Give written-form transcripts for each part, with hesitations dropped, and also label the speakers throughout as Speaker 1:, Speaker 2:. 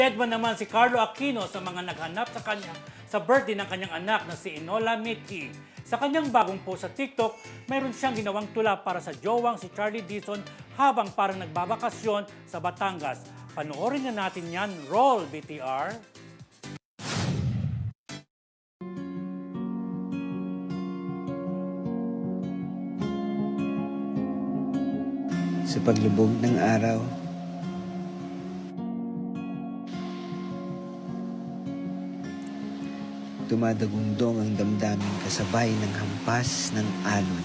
Speaker 1: Deadman naman si Carlo Aquino sa mga naghanap sa kanya sa birthday ng kanyang anak na si Enola Mitki. Sa kanyang bagong post sa TikTok, mayroon siyang ginawang tula para sa jowang si Charlie Dizon habang parang nagbabakasyon sa Batangas. Panoorin na natin yan. Roll, BTR!
Speaker 2: Sa paglubog ng araw, dumadagundong ang damdamin kasabay ng hampas ng alon.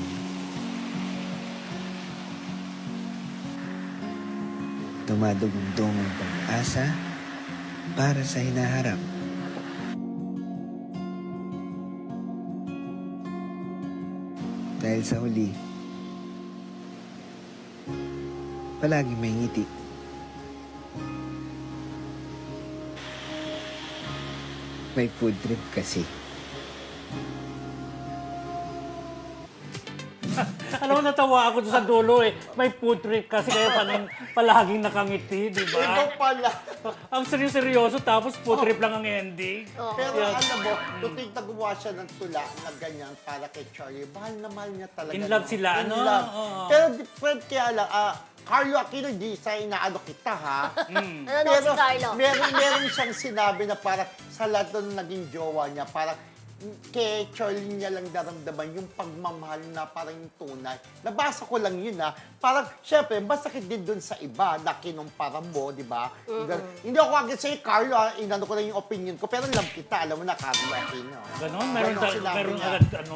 Speaker 2: Dumadagundong ang pag-asa para sa hinaharap. Dahil sa huli, palagi may ngiti. May food trip kasi.
Speaker 1: Alam mo, natawa ako doon sa dulo eh. May food trip kasi kaya palaging nakangiti, di ba?
Speaker 3: Ikaw pala.
Speaker 1: Ang seryoso tapos food trip lang ang ending.
Speaker 3: Pero
Speaker 1: Yes.
Speaker 3: alam mo, tutig na gumawa siya ng tula na ganyan para kay Charlie. Mahal na mahal niya talaga.
Speaker 1: In love sila,
Speaker 3: In
Speaker 1: ano?
Speaker 3: love.
Speaker 1: Oo.
Speaker 3: Pero Fred, kaya lang, Carlo Aquino, di sa inaano kita, ha?
Speaker 4: Ano si Carlo?
Speaker 3: meron siyang sinabi na parang sa lahat ng naging jowa niya, parang kay Charlie niya lang naramdaman yung pagmamahal na parang yung tunay. Nabasa ko lang yun, ha? Parang, syempre, masakit din dun sa iba na kinumpara mo, di ba? Hindi ako agad sa'yo, Carlo, ha? Inano ko lang yung opinion ko, pero love kita, alam mo na, Carlo Aquino.
Speaker 1: Ganon?
Speaker 3: sinabi
Speaker 1: Meron
Speaker 3: niya.
Speaker 1: agad ano?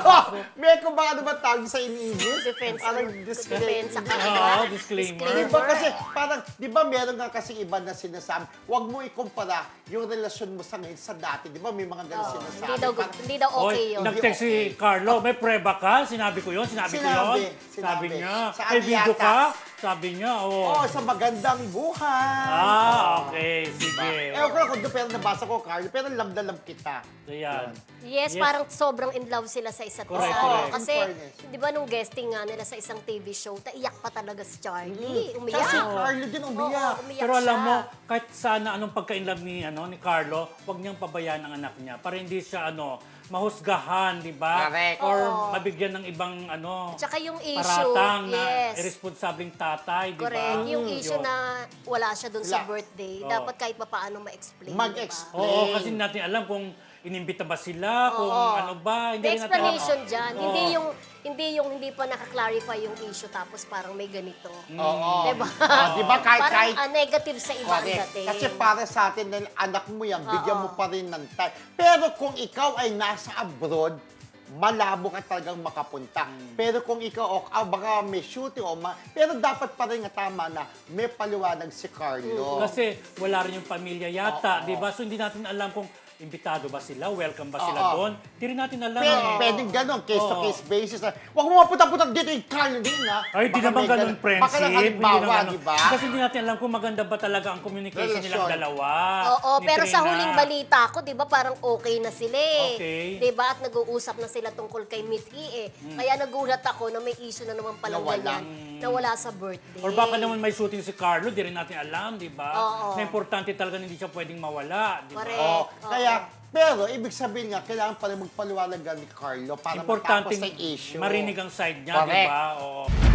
Speaker 3: May kung ba ano ba tawag sa English?
Speaker 4: Defense.
Speaker 3: Parang
Speaker 4: Defense sa
Speaker 1: Oo,
Speaker 4: kanila.
Speaker 1: disclaimer.
Speaker 3: Di ba kasi parang, di ba meron nga kasi iba na sinasabi, huwag mo ikumpara yung relasyon mo sa ngayon sa dati. Di ba may mga ganun sinasabi.
Speaker 4: Hindi daw okay yun.
Speaker 1: Nag-text si Carlo, may preba ka? Sinabi ko yun? Sinabi ko yun? Sabi niya.
Speaker 3: Saan
Speaker 1: May video
Speaker 3: yata?
Speaker 1: ka? Sabi niya,
Speaker 3: Oo, sa magandang buhay.
Speaker 1: Okay. Sige.
Speaker 3: Ewan ko lang kung doon pero nabasa ko, Carlo, pero love na love kita.
Speaker 1: Ayan.
Speaker 4: Yes, parang sobrang in love sila sa isa't
Speaker 1: Correct,
Speaker 4: isa.
Speaker 1: correct.
Speaker 4: Kasi,
Speaker 3: In fairness.
Speaker 4: di ba nung guesting nga nila sa isang TV show, naiyak pa talaga si Charlie. Umiyak.
Speaker 3: Kasi Carlo din umiyak.
Speaker 4: Oo, umiyak
Speaker 1: Pero alam
Speaker 4: siya.
Speaker 1: mo, kahit sana anong pagka-inlove ni Carlo, wag niyang pabayaan ang anak niya para hindi siya mahusgahan, di ba?
Speaker 3: Correct.
Speaker 1: Or
Speaker 4: Oo.
Speaker 1: mabigyan ng ibang
Speaker 4: Tsaka yung issue,
Speaker 1: paratang na
Speaker 4: yes.
Speaker 1: irresponsableng tatay, di ba?
Speaker 4: Correct. Yung issue
Speaker 1: Yun.
Speaker 4: na wala siya dun sa
Speaker 3: Wala.
Speaker 4: birthday,
Speaker 1: Oo.
Speaker 4: dapat kahit pa paano ma-explain.
Speaker 3: Mag-explain.
Speaker 1: Oo, kasi hindi natin alam kung inimbita ba sila, kung ano ba. Hindi
Speaker 4: May
Speaker 1: rin natin
Speaker 4: explanation
Speaker 1: alam.
Speaker 4: dyan.
Speaker 1: Oo.
Speaker 4: Hindi pa nakaklarify yung issue tapos parang may ganito.
Speaker 3: Oo.
Speaker 4: Diba?
Speaker 3: Di ba kahit
Speaker 4: Parang negative sa iba ang
Speaker 3: Correct.
Speaker 4: dating.
Speaker 3: Kasi para sa atin, dahil anak mo yan, bigyan mo pa rin ng time. Pero kung ikaw ay nasa abroad, malabo ka talagang makapunta. Pero kung ikaw, baka may shooting, pero dapat pa rin nga tama na may paliwanag si Carlo.
Speaker 1: Kasi wala rin yung pamilya yata,
Speaker 3: Oo.
Speaker 1: di ba? So hindi natin alam kung imbitado ba sila, welcome ba sila
Speaker 3: Oo.
Speaker 1: doon. Hindi rin natin alam.
Speaker 3: Pwedeng gano'n, case-to-case basis. Huwag mo mapunta-punta dito yung Carlo din, ha?
Speaker 1: Ay, di
Speaker 3: Baka
Speaker 1: naman
Speaker 3: may
Speaker 1: ganun, friendship.
Speaker 3: Baka lang
Speaker 1: Hindi
Speaker 3: halimbawa,
Speaker 1: naman ganun.
Speaker 3: di ba?
Speaker 1: Kasi hindi natin alam kung maganda ba talaga ang communication nilang
Speaker 3: Relasyon.
Speaker 1: dalawa.
Speaker 4: Oo,
Speaker 1: ni
Speaker 4: pero sa
Speaker 1: Trina.
Speaker 4: huling balita ko, 'di ba, parang okay na sila eh.
Speaker 1: Okay.
Speaker 4: 'Di ba? At nag-uusap na sila tungkol kay Mitki eh. Kaya nagulat ako na may issue na naman pala
Speaker 3: Nawala.
Speaker 4: ganyan na wala sa birthday.
Speaker 1: Or baka naman may shooting si Carlo, di rin natin alam, di ba?
Speaker 4: Oo.
Speaker 1: Na importante talaga na hindi siya pwedeng mawala, di ba?
Speaker 4: Correct.
Speaker 3: Oo.
Speaker 4: Oo.
Speaker 3: Kaya, pero ibig sabihin nga, kailangan pa rin magpaliwanag ni Carlo para
Speaker 1: Importante
Speaker 3: matapos sa issue.
Speaker 1: marinig ang side niya, di
Speaker 3: Correct.
Speaker 1: ba? Oo.